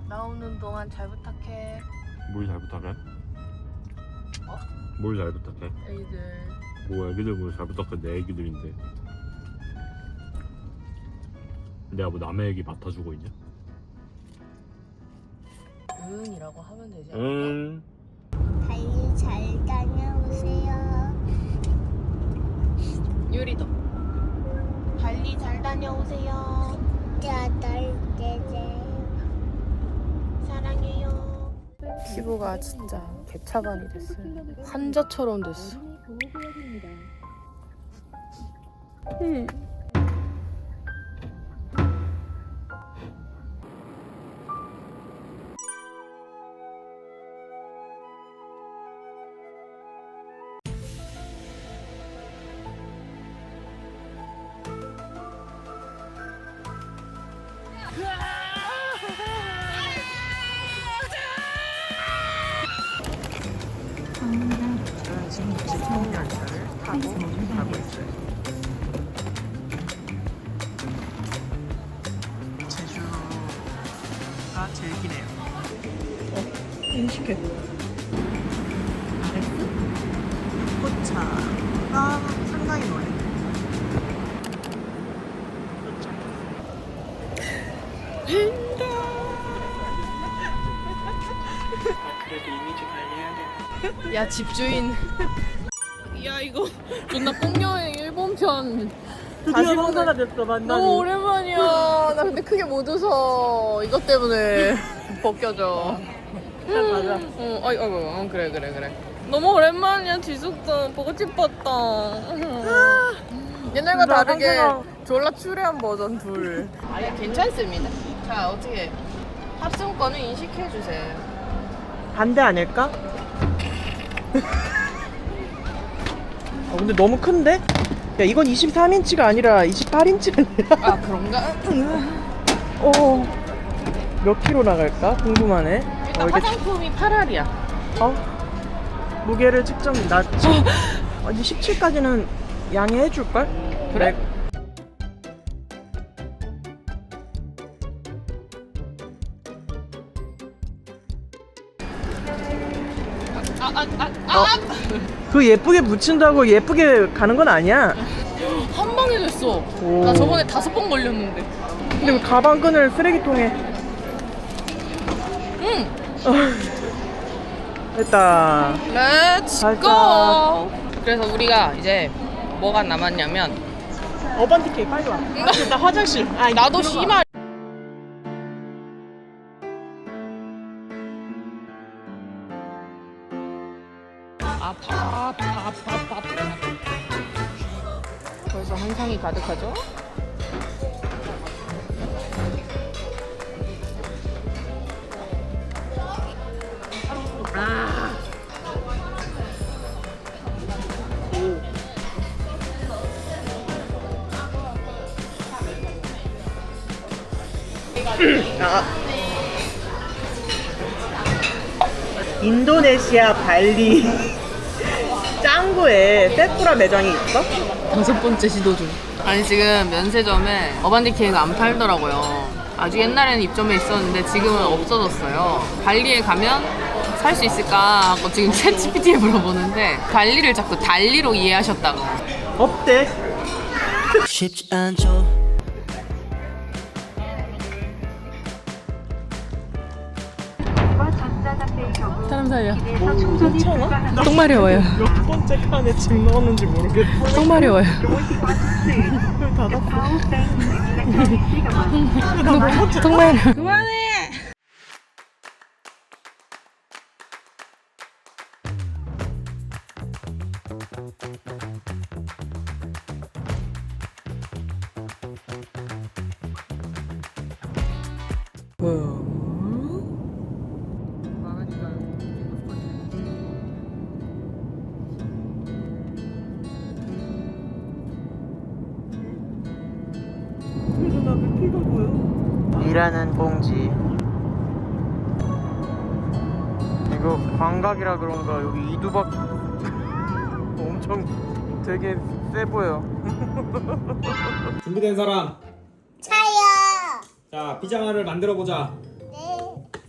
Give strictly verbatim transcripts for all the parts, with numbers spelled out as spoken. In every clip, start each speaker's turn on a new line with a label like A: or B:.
A: 나오는 동안 잘 부탁해.
B: 뭘 잘 부탁해?
A: 어?
B: 뭘 잘 부탁해?
A: 애기들.
B: 뭐 애기들 뭘 잘 부탁해? 내 애기들인데 내가 뭐 남의 애기 맡아주고 있냐?
A: 응이라고 하면 되지 않을까?
B: 응.
C: 달리 잘 다녀오세요.
A: 유리도. 달리 잘 다녀오세요.
C: 짜달 떼제.
A: 사랑해요. 피부가 진짜 개차반이 됐어요. 환자처럼 됐어. 음. 저는 지금 지평열차를 타고 가고 있어요. 제주가 제일 기네요. 어, 인식해. 포차가 상당히 멀리. 그래도 이미지 관리해야 돼. 야 집주인. 야 이거 존나 뽕여행 일본 편.
D: 드디어 성사가 됐어 만나니.
A: 너무 오랜만이야. 나 근데 크게 못 웃어. 이것 때문에 벗겨져.
D: 일단 가자.
A: 어, 어이, 어이, 어, 그래, 그래, 그래. 너무 오랜만이야, 지숙도. 보고 싶었다. 옛날과
D: 진짜
A: 다르게
D: 상쾌한-
A: 졸라 추레한 버전 둘. 아니, 괜찮습니다. 자, 어떻게 탑승권을 인식해주세요.
D: 반대 아닐까? 어, 근데 너무 큰데? 야 이건 이십삼 인치가 아니라 이십팔 인치가 아니라
A: 아, 그런가?
D: 어, 몇 킬로 나갈까? 궁금하네.
A: 일단
D: 어, 이게
A: 화장품이 팔 알이야.
D: 어? 무게를 측정 나 지- 아니 십칠까지는 양해해 줄걸?
A: 그래? 아, 아, 아, 아!
D: 어. 그 예쁘게 붙인다고 예쁘게 가는 건 아니야.
A: 한 방에 됐어.
D: 오.
A: 나 저번에 다섯 번 걸렸는데.
D: 근데 그 가방끈을 쓰레기통에
A: 응!
D: 됐다.
A: 렛츠
D: 가자.
A: 고! 그래서 우리가 이제 뭐가 남았냐면
D: 어반티케이 빨리 와. 나 화장실. 아,
A: 나도
D: 들어가.
A: 씨발 아파 아파 아파 아파 벌써 한상이 가득하죠? 아.
D: 아. 인도네시아 발리 짱구에 세쿠라 매장이 있어?
A: 다섯 번째 시도 중. 아니 지금 면세점에 어반디케이가 안 팔더라고요. 아주 옛날에는 입점해 있었는데 지금은 없어졌어요. 발리에 가면 살 수 있을까 하고 지금 챗지피티에 물어보는데 발리를 자꾸 달리로 이해하셨다고.
D: 없대.
E: 쉽지 않죠.
A: 사람 살려.
D: 괜찮아?
A: 똥 마려워요.
D: 몇 번째 칸에 짐 넣었는지 모르겠어.
A: 똥 마려워요.
D: 닫았어.
A: 똥 마려. 그만해.
D: 일하는 봉지. 이거 광각이라 그런가 여기 이두박 엄청 되게 세 보여.
F: 준비된 사람?
C: 차요.
F: 자, 피자마를 만들어 보자.
C: 네.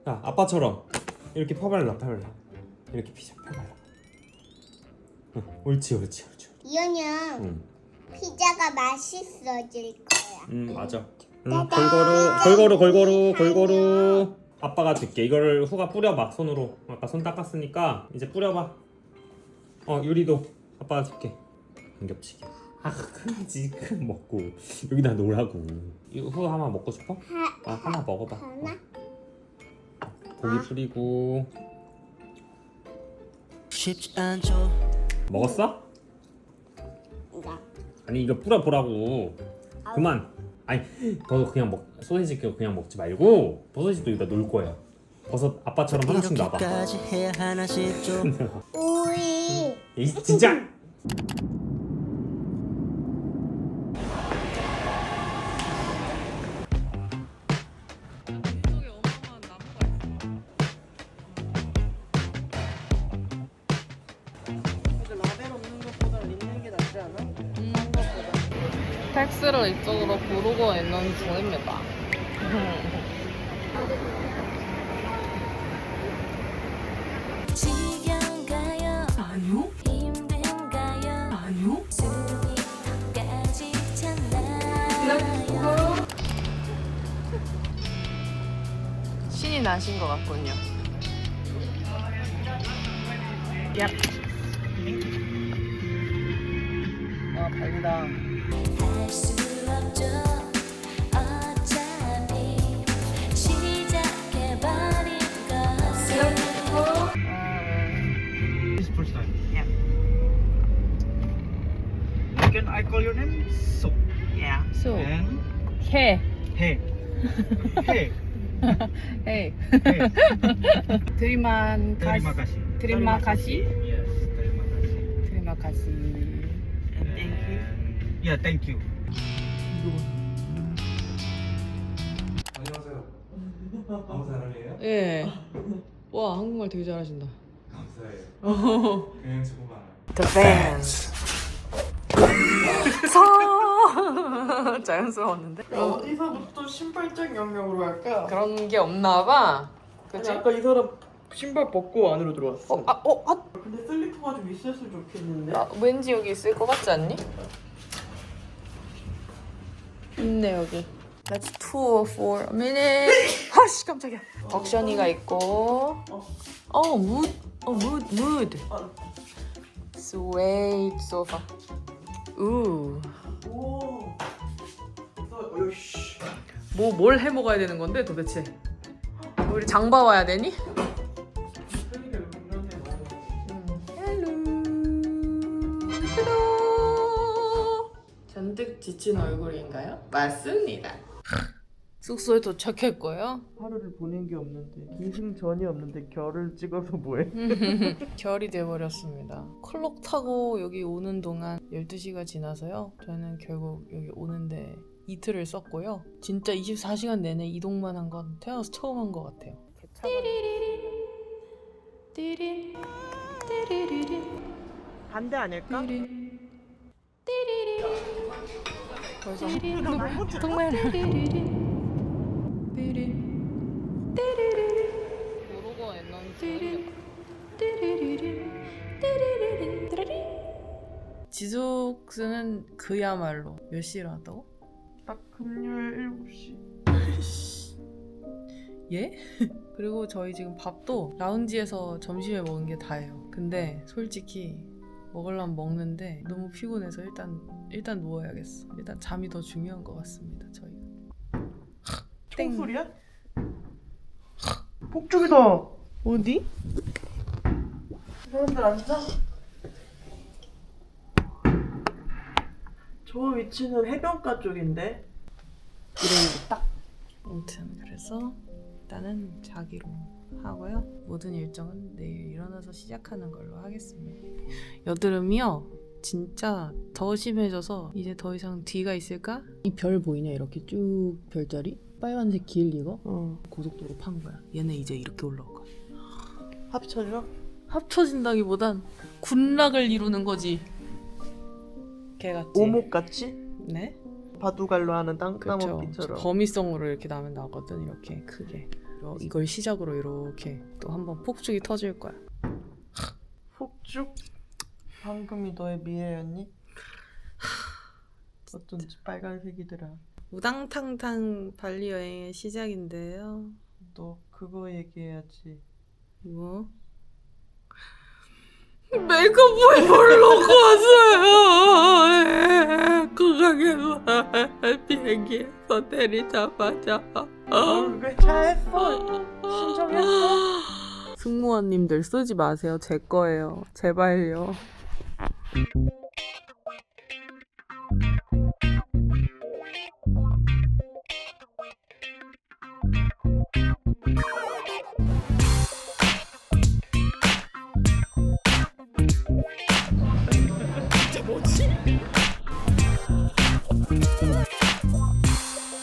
F: 야 아빠처럼 이렇게 펴발라 펴발라 이렇게 피자 펴발라. 응, 옳지 옳지 옳지.
C: 이현영
F: 응,
C: 피자가 맛있어질 거야.
F: 응 맞아. 응, 골고루 골고루 골고루 골고루. 아빠가 줄게. 이거를 후가 뿌려봐 손으로. 아까 손 닦았으니까 이제 뿌려봐. 어 유리도 아빠가 줄게. 안 겹치게. 아 지금 먹고 여기다 놓으라고. 이거 후 하나 먹고 싶어? 아 하나 먹어봐.
C: 하나?
F: 고기 뿌리고.
E: 쉽지 않죠
F: 먹었어?
C: 이거.
F: 아니 이거 뿌려보라고. 그만. 아니 너 그냥 먹 소시지 그냥 먹지 말고 버섯도 여기다 놓을 거야. 버섯 아빠처럼 하나씩 놔봐.
E: 이렇게까지 해야 하나 싶죠
C: 우리
F: 이 진짜.
D: 라벨 없는 것보다 있는 게 낫지 않아?
A: 음, 텍스를 이쪽으로 고르고 있는 중입니다.
G: 지겨운가요? 아니요. 힘든가요? 아니요. 숨이 턱까지 찼나요?
A: 신이 나신 것 같군요. 얍.
D: 아 달다.
G: 할 수 없죠. 어차피 시작해버린 것을
H: This first time. Yeah. Can I call your name? So. Yeah.
A: So.
H: And
A: 해.
H: hey. Hey.
A: 헤이.
H: Hey.
A: 드리만
H: Terima kasih.
A: Terima kasih.
H: Yes. Terima kasih.
A: 드리마 가시.
H: And thank you. Yeah. Thank you.
I: 안녕하세요. 아무 사람이에요?
A: 예. 와 한국말 되게 잘하신다.
I: 감사해요. 그냥 친구가
A: The fans. 자연스러웠는데?
D: 어디서부터 신발장 영역으로 갈까?
A: 그런 게 없나 봐.
D: 아니,
A: 그치?
D: 아까 이 사람 신발 벗고 안으로 들어왔어.
A: 어, 아, 어, 아,
D: 근데 슬리퍼가 좀 있었으면 좋겠는데.
A: 아, 왠지 여기 있을 것 같지 않니? 있네 여기. Let's tour for a minute. 아씨 깜짝이야. 덕션이가 있고. 어, 무드. 어, 무드, 무드. 스웨이드 소파. 우.
D: 오. 너, 어이씨.
A: 뭐, 뭘 해 먹어야 되는 건데 도대체? 우리 장 봐와야 되니?
D: 그러니까 이런 데 많이.
A: 헬로. 헬로. 잔뜩 지친 얼굴인가요? 맞습니다. 숙소에 도착했고요.
D: 하루를 보낸 게 없는데 기승전이 없는데 결을 찍어서 뭐해?
A: 결이 돼버렸습니다. 클럭 타고 여기 오는 동안 열두 시가 지나서요. 저는 결국 여기 오는데 이틀을 썼고요. 진짜 이십사 시간 내내 이동만 한 건 태어나서 처음 한 것 같아요. 띠리린 띠리린
D: 반대 아닐까?
A: 벌써 정말 모르고 있는 지숙스는 그야말로 몇 시에 일어났다고?
D: 딱 금요일 일곱 시.
A: 예? 그리고 저희 지금 밥도 라운지에서 점심에 먹은 게 다예요. 근데 솔직히 먹으려면 먹는데 너무 피곤해서 일단 일단 누워야겠어. 일단 잠이 더 중요한 것 같습니다. 저희가.
D: 총소리야? 폭죽이다.
A: 어디?
D: 사람들 앉아. 저 위치는 해변가 쪽인데.
A: 이름이 딱. 아무튼 그래서 일단은 자기로 하고요. 모든 일정은 내일 일어나서 시작하는 걸로 하겠습니다. 여드름이요. 진짜 더 심해져서 이제 더 이상 뒤가 있을까? 이 별 보이냐? 이렇게 쭉 별자리? 빨간색 길 이거?
D: 어.
A: 고속도로 판 거야. 얘네 이제 이렇게 올라올 거야.
D: 합쳐져?
A: 합쳐진다기보단 군락을 이루는 거지. 개같지?
D: 오목같이?
A: 네?
D: 바둑알로 하는
A: 그쵸.
D: 땅따먹기처럼.
A: 거미성으로 이렇게 나면 나거든. 이렇게 크게. 어, 이걸 시작으로 이렇게 또 한번 폭죽이 터질 거야.
D: 폭죽? 방금이 너의 미래였니? 어쩐지 빨간색이더라.
A: 우당탕탕 발리 여행의 시작인데요.
D: 너 그거 얘기해야지.
A: 뭐? 메이크업을 보러 갔어요. 국악에서 비행기에서 내리자마자
D: 왜 잘했어? 신청했어?
A: 승무원님들 쓰지 마세요. 제 거예요. 제발요.